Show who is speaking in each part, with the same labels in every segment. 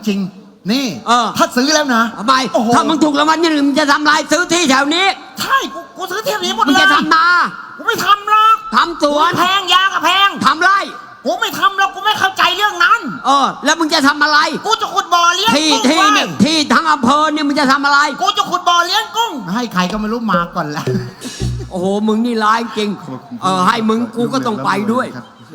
Speaker 1: ริงๆนี่ถ้าซื้อแล้วนะ
Speaker 2: ทำไมถ้ามึงถูกรางวัลที่ 1มึงจะทำไรซื้อที่แถวนี้
Speaker 1: ใช่กูซื้อที่นี้หมดเลย
Speaker 2: มึงจะทำนา
Speaker 1: กูไม่ทำหรอก
Speaker 2: ทำสวน
Speaker 1: แพงยาก็แพง
Speaker 2: ทำไร
Speaker 1: กูไม่ทำหรอกกูไม่เข้าใจเรื่องนั้น
Speaker 2: แล้วมึงจะทำอะไร
Speaker 1: กูจะขุดบ่อเลี้ยงกุ้ง
Speaker 2: ที่ทั้งอำเภอเนี่ยมึงจะทำอะไร
Speaker 1: กูจะขุดบ่อเลี้ยงกุ้งให้ใครก็ไม่รู้มาก่อนละ
Speaker 2: โอ้โหมึงนี่ร้ายจริงให้มึงกูก็ต้องไปด้วย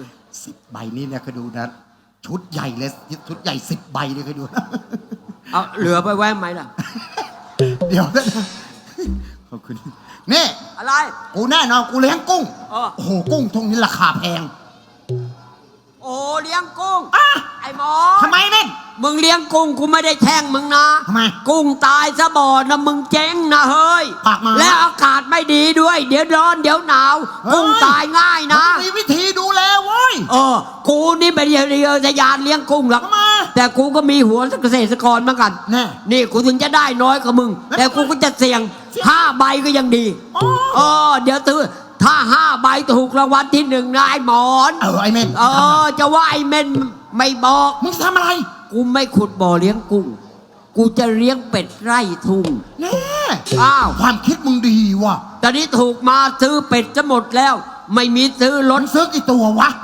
Speaker 1: 10 ใบนี่เนี่ยเคยดูนะชุดใหญ่เลยชุดใหญ่10 ใบเลยเคยดู
Speaker 2: เอาเหลือไปแว้ไหมล่ะ
Speaker 1: เดี๋ยวนะขอบคุณนี่
Speaker 2: อะไร
Speaker 1: กูแน่นอนกูเลี้ยงกุ้งโอ้โหกุ้งทงนี้ราคาแพง
Speaker 2: โอ้เลี้ยงกุ้งไอ้หมอ
Speaker 1: ทำไมเน่น
Speaker 2: มึงเลี้ยงกุ้งกูไม่ได้แช่งมึงนะ
Speaker 1: ทำไม
Speaker 2: กุ้งตายซะบ่อนะมึงเจ๊งนะเฮ้ยและอากาศไม่ดีด้วยเดี๋ยวร้อนเดี๋ยวหนาวกุ้งตายง่ายนะ
Speaker 1: มีวิธีดูแลเว้ย
Speaker 2: กูนี่เป็นเรือทะยานเลี้ยงกุ้งหรอกแต่กูก็มีหัวเกษตรกรเหมือนกันนี่กูถึงจะได้น้อยกว่ามึงแต่กูก็จะเสี่ยง5 ใบก็ยังดีเดี๋ยวตื้อถ้า5 ใบถูกรางวัลที่ 1นะไอ้หมอน
Speaker 1: ไอ้เม่น
Speaker 2: จะว่าไอ้เม่นไม่บอก
Speaker 1: มึงทำอะไร
Speaker 2: กูไม่ขุดบ่อเลี้ยงกุ้งกูจะเลี้ยงเป็ดไร่ทุ่ง
Speaker 1: แน่ความคิดมึงดีว่ะ
Speaker 2: ตอนนี้ถูกมาซื้อเป็ดจะหมดแล้วไม่มีซื้อล้น
Speaker 1: ซื้อกี่ตัววะ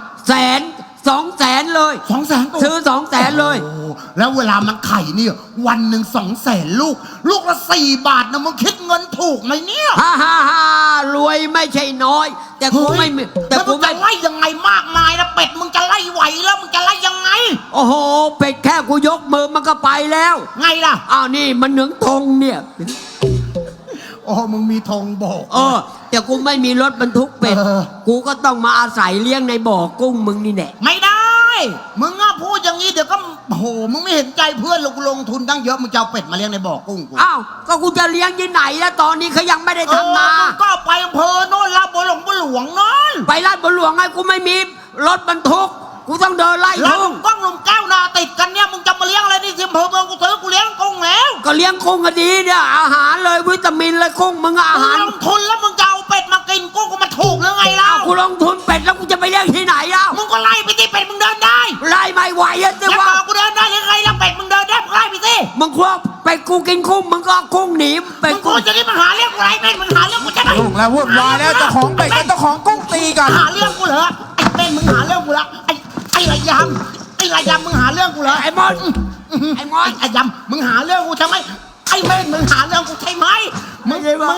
Speaker 2: 200,000เลย
Speaker 1: 200,000
Speaker 2: ซื้อ200,000เลย
Speaker 1: แล้วเวลามันไข่นี่วันหนึ่ง200,000ลูกละ4 บาทนะมึงคิดเงินถูกไหมเนี่ย
Speaker 2: รวยไม่ใช่น้อยแต่กูไม่
Speaker 1: แต่กูจะไล่ยังไงมากมายนะเป็ดมึงจะไล่ไหวแล้วมึงจะไล่ยังไง
Speaker 2: โอ้โหเป็ดแค่กูยกมือมันก็ไปแล้ว
Speaker 1: ไงล่ะ
Speaker 2: นี่มันเหนืองธงเนี่ย
Speaker 1: มึงมีธงบอก
Speaker 2: แต่กูไม่มีรถบรรทุกเป็ดกูก็ต้องมาอาศัยเลี้ยงในบ่อกุ้งมึงนี่แหละ
Speaker 1: ไม่ได้มึงพูดอย่างนี้เดี๋ยวก็มึงไม่เห็นใจเพื่อนลงทุนตั้งเยอะมึงจะเอาเป็ดมาเลี้ยงในบ่อกุ้งกู
Speaker 2: ก็กูจะเลี้ยงที่ไหนแล้วตอนนี้เขายังไม่ได้ทำนา
Speaker 1: ก็ไปอำเภอโน่นลาดบัวหลวงนั่น
Speaker 2: ไปลาดบัวหลวงไงกูไม่มีรถบรรทุกกูต้องเดินไล่ทุ่ง
Speaker 1: ก้องลมแก้วนาติดกันเนี่ยมึงจะมาเลี้ยงอะไรนี่สิอำเภอเมืองกูซื้อกูเลี้ยงกุ้งแล้ว
Speaker 2: ก็เลี้ยงกุ้งก็ดีเนี่ยอาหารเลยวิตามินเลยกุ้งมึงอาหาร
Speaker 1: ลงทุนแล้วมึงจะเอาเป็ดมากินกุ้งกูมันถูกหรือไงเล่า
Speaker 2: กูลงทุนเป็ดแล้วกูจะไปเลี้ยงที่ไหนเล่า
Speaker 1: มึงก็ไล่ไปที่เป็ดมึงเดินได้
Speaker 2: ไล่ไม่ไหวอ่ะสิว่า
Speaker 1: กูเดินได้ยังไงแล้วเป็ดมึงเดินได้มึงไล่ไปสิ
Speaker 2: มึงควักเป็ดกูกินกุ้งมึงก็กุ้งหนีเป็ด
Speaker 1: กูจะนี่มาหาเรื่องกูไรเป็ดมึงหาเรื่องกูใช่ไหม
Speaker 3: ถูกแล้ววุ่นวายแล้วเจ้าของเป็ดกับเจ้าของกุ้งตีกัน
Speaker 1: หาเรื่องกูเหรอไอ้เป็ดมึงหาเรื่องกูละไอ้ระยำมึงหาเรื่องกูเหรอ
Speaker 2: ไอ้มอน
Speaker 1: ไอ้ยำมึงหาเรื่องกูใช่ไหมไอ้เม่นมึงหาเรื่องกูใช่ไหมมึง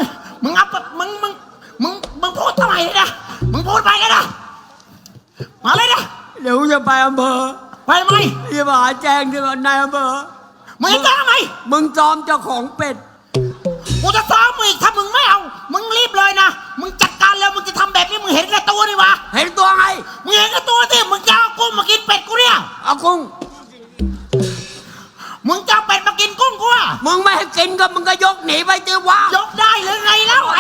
Speaker 1: พูดทำไมนะมึงพูดไปเลยนะมาเลยนะ
Speaker 2: เดี๋ยวจะไปอำเภอ
Speaker 1: ไปไหม
Speaker 2: จะมาแจ้งที่นายอำเภอ
Speaker 1: มึงจะทำไม
Speaker 2: มึงซ้อมเจ้าของเป็ด
Speaker 1: กูจะซ้อมมึงอีกถ้ามึงไม่เอามึงรีบเลยนะมึงจัดการแล้วมึงจะทำแบบนี้มึงเห็นกับตัวดิวะ
Speaker 2: เห็นตัวไง
Speaker 1: มึงเห็นกับตัวที่มึงจะเอากุ้งมากินเป็ดกูเนี่ย
Speaker 2: เอากุ้ง
Speaker 1: มึงจะเป็ดมากินกุ้งกูอ่ะ
Speaker 2: มึงไม่ให้กินก็มึงก็ยกหนีไปเจอว่าย
Speaker 1: กได้หรือไงแล้วไอ้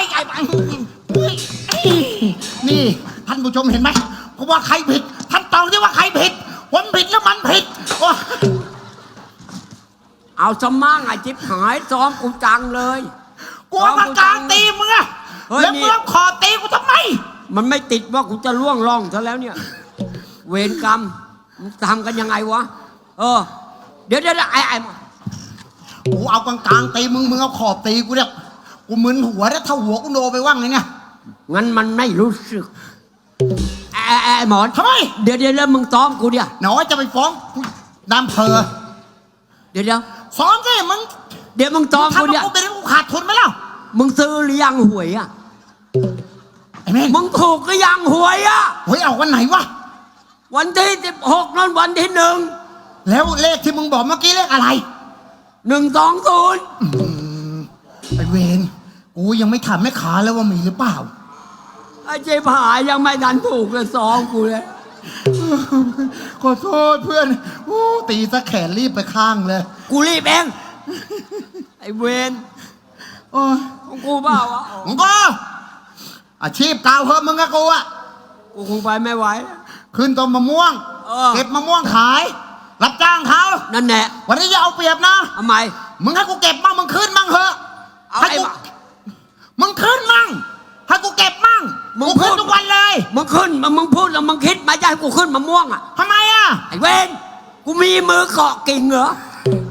Speaker 1: นี่ท่านผู้ชมเห็นไหมกูว่าใครผิดท่านตอบที่ว่าใครผิดผมผิดแล้วมันผิด
Speaker 2: เอาสมั่งไอ้จิ๊บหายซ้อมกูจังเลย
Speaker 1: กูมากลางตีมึงอะแล้วมึงขอตีกูทำไม
Speaker 2: มันไม่ติดว่ากูจะล่วงล่องซะแล้วเนี่ยเวรกรรมมึงทำกันยังไงวะเดี๋ยวไอ้
Speaker 1: กูเอากลางตีมึงเอาขอบตีกูเนี่ยกูมึนหัวแล้วถ้าหัวกูโดไปว่างเลยเนี่ย
Speaker 2: งั้นมันไม่รู้สึกไอ้หมอน
Speaker 1: ทำไม
Speaker 2: เดี๋ยวแล้วมึงซ้อมกูเนี่ย
Speaker 1: หนอจะไปฟ้องนำเพอ
Speaker 2: เดี๋ยว
Speaker 1: ซ้อมสิมึง
Speaker 2: เดี๋ยวมึงซ้อมกูเนี่ย
Speaker 1: กูเป็นกูขาดทุนไหมล่ะ
Speaker 2: มึงซื้อหรือยังหวยอ่ะ
Speaker 1: ไอ้แม่
Speaker 2: มึงถูกหรือยังหวยอ่ะ
Speaker 1: หวยเอาวันไหนวะ
Speaker 2: วันที่16นั่นวันที่1
Speaker 1: แล้วเลขที่มึงบอกเมื่อกี้เลขอะไร
Speaker 2: 120
Speaker 1: ไอ้เวรกูยังไม่ถามแม่ขาแล้วว่ามีหรือเปล่า
Speaker 2: ไอ้เจ๊ผายังไม่ดันถูกเลยซ้อมกูเลย
Speaker 1: ขอโทษเพื่อนตีซะแขนรีบไปข้างเลย
Speaker 2: กูรีบเองไอ้เวนของกูเปล่าวะ
Speaker 1: มึงก็อาชีพเก่าเพิ่มมึงกับกูอ่ะ
Speaker 2: กูคงไปไม่ไหว
Speaker 1: ขึ้นต้นมะม่วงเก็บมะม่วงขายรับจ้างเขา
Speaker 2: นั่นแหละ
Speaker 1: วันนี้อย่าเอาเปรียบนะ
Speaker 2: ทำไม
Speaker 1: มึงให้กูเก็บมั่งมึงขึ้นมั่งเหอะให้กูมึงขึ้นมั่งให้กูเก็บมั่งมึงขึ้นทุกวันเลย
Speaker 2: มึงขึ้นมึงพูดแล้วมึงคิดมาจะให้กูขึ้นมะม่วงอ่ะ
Speaker 1: ทำไมอ่ะ
Speaker 2: ไอ้เวนกูมีมือเกาะกิ่งเหรอ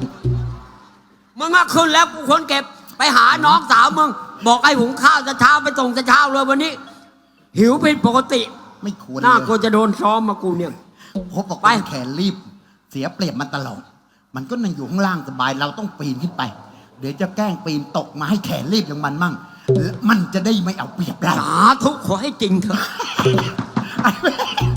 Speaker 2: มึงก็ขึ้นแล้วกูคนเก็บไปหาน้องสาวมึงบอกให้หุงข้าวจะเช้าไปส่งจะเช้าเลยวันนี้ หิวเป็นปกติ
Speaker 1: ไม่ควร
Speaker 2: น่า
Speaker 1: เลย
Speaker 2: กลัวจะโดนซ้อมมากูเนี่ย
Speaker 1: ผมบอก
Speaker 2: ไป
Speaker 1: ไปแขนรีบ เสียเปรียบมันตลอด มันก็นั่งอยู่ข้างล่างสบายเราต้องปีนขึ้นไป เดี๋ยวจะแกล้งปีนตกมาให้แขนรีบอย่างมันมั่งแล้วมันจะได้ไม่เอาเปรียบเรา
Speaker 2: สาธุขอให้จริงเถอะ
Speaker 1: ไอ้แม่